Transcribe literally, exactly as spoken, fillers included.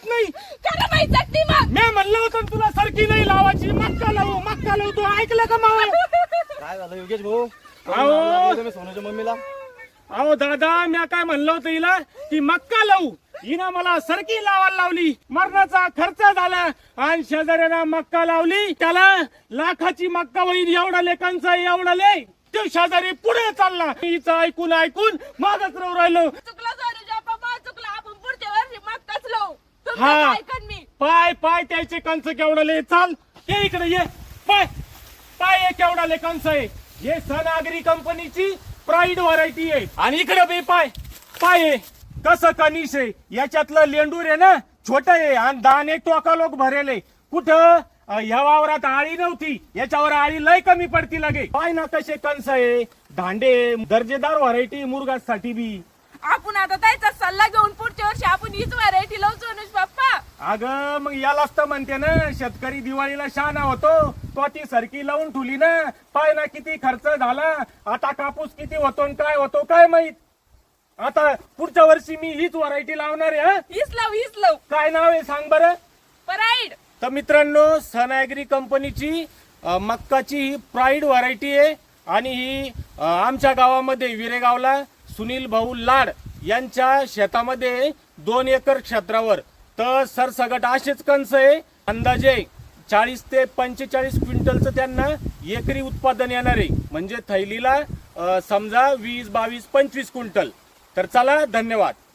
कळत नाही खरं माहित नाही मग मी म्हणलं होतं तुला सरकी नाही लावायची मक्का लावू मक्का लावू तू ऐकलं का मावा काय झालं योगेश भाऊ अहो तुम्ही सोनूच्या मम्मीला अहो दादा मी काय म्हणलं होतं हिला की मक्का लावू हिनं मला सरकी लावायला लावली मरणाचा खर्च झाला आणि शेजाऱ्यानं मक्का लावली त्याला लाखाची मक्का होईल एवढा लेखांचा एवढा ले ते शेजारी पुढे चालला हिचं ऐकून ऐकून मागच राहू राहिलो चुकलं सोनूच्या पप्पा चुकलं आपण पुढच्या वर्षी मक्काच लावू हा. तुमचं ऐकन मी पाय पाय त्याचे कंच केवढले चाल ये इकडे ये पाय पाय हे केवढाले कंच आहे हे सनागरी कंपनीची प्राईड व्हरायटी आहे आणि इकडे बे पाय पाय आहे कसं कनिश आहे याच्यातलं लेंडूर आहे ना छोट आहे आणि दान एक टोका लोक भरेले कुठं अ, ह्या वावरात आळी नव्हती याच्यावर आळी लय कमी पडती लागे पाय ना कसे कंस आहे दांडे दर्जेदार व्हरायटी मुरगासाठी बी आपण आता त्याचा सल्ला घेऊन पुढच्या वर्षी आपण हीच व्हरायटी लावू सोनूज पप्पा अगं मग यालाच तर म्हणते ना शेतकरी दिवाळीला शहाणा होतो तो ती सरकी लावून ठुली ना पाय ना किती खर्च झाला आता कापूस किती होतो आणि काय होतो काय माहित आता पुढच्या वर्षी मी हीच व्हरायटी लावणार आहे हं? हीच लावू हीच लावू काय नाव आहे सांग बरं प्राईड तर मित्रांनो सन ऍग्री कंपनीची अ, मक्काची ही प्राईड व्हरायटी आहे आणि ही अ, आमच्या गावामध्ये विरेगावला सुनील भाऊ लाड यांच्या शेतामध्ये दोन एकर क्षेत्रावर तर सरसगट असेच कंस आहे अंदाजे चाळीस ते पंचेचाळीस क्विंटलचं त्यांना एकरी उत्पादन येणार आहे म्हणजे थैलीला अ, समजा वीस बावीस पंचवीस क्विंटल तर चला धन्यवाद.